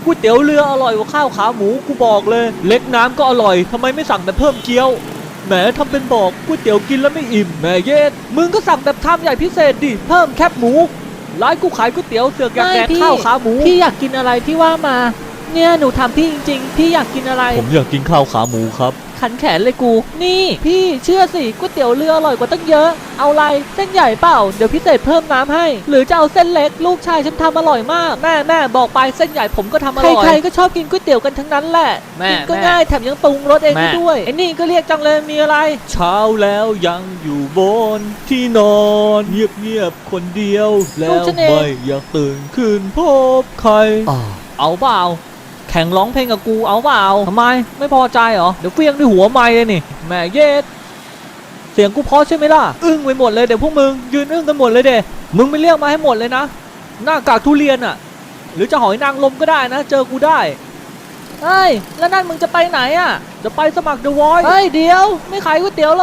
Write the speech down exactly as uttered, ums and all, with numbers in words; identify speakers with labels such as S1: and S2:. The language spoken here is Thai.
S1: ก๋วยเตี๋ยวเรืออร่อยกว่าข้าวขาหมูกูบอกเลยเล็กน้ำก็อร่อยทำไมไม่สั่งแบบเพิ่มเกี๊ยวแหมทำเป็นบอกก๋วยเตี๋ยวกินแล้วไม่อิ่มแหมเย็ดมึงก็สั่งแบบชามใหญ่พิเศษดิเพิ่มแคบหมูร้านกูขายก๋วยเตี๋ยวเสือกอยากแดกข้าวขาหมูพี่อยากกินอะไรพี่ว่ามาเนี่ยหนูทำพี่จริงๆพี่อยากกินอะไรผมอยากกินข้าวขาหมูครับขันแขนเลยกูนี่พี่เชื่อสิก๋วยเตี๋ยวเรืออร่อยกว่าตั้งเยอะเอาอะไรเส้นใหญ่เปล่าเดี๋ยวพิเศษเพิ่มน้ำให้หรือจะเอาเส้นเล็กลูกชายฉันทำอร่อยมากแม่แม่บอกไปเส้นใหญ่ผมก็ทำอร่อยใครๆก็ชอบกินก๋วยเตี๋ยวกันทั้งนั้นแหละกินก็ง่ายแถมยังปรุงรสเองได้ด้วยไอ้นี่ก็เรียกจังเลยมีอะไรเช้าแล้วยังอยู่บนที่นอนเงียบๆคนเดียวแล้วไม่อยากตื่นขึ้นพบใครเอาเปล่าแข่งร้องเพลงกับกูเอาเปล่าทำไมไม่พอใจเหรอเดี๋ยวเฟี้ยงด้วยหัวไม้เลยนี่แม่เย็ดเสียงกูเพราะใช่ไหมล่ะอึ้งไปหมดเลยเดี๋ยวพวกมึงยืนอึ้งกันหมดเลยเด้มึงไปเรียกมาให้หมดเลยนะหน้ากากทุเรียนอ่ะหรือจะหอยนางรมก็ได้นะเจอกูได้เฮ้ยแล้วนั่นมึงจะไปไหนอ่ะจะไปสมัคร The Voice เฮ้ยเดี๋ยวไม่ขายก๋วยเตี๋ยวหรอ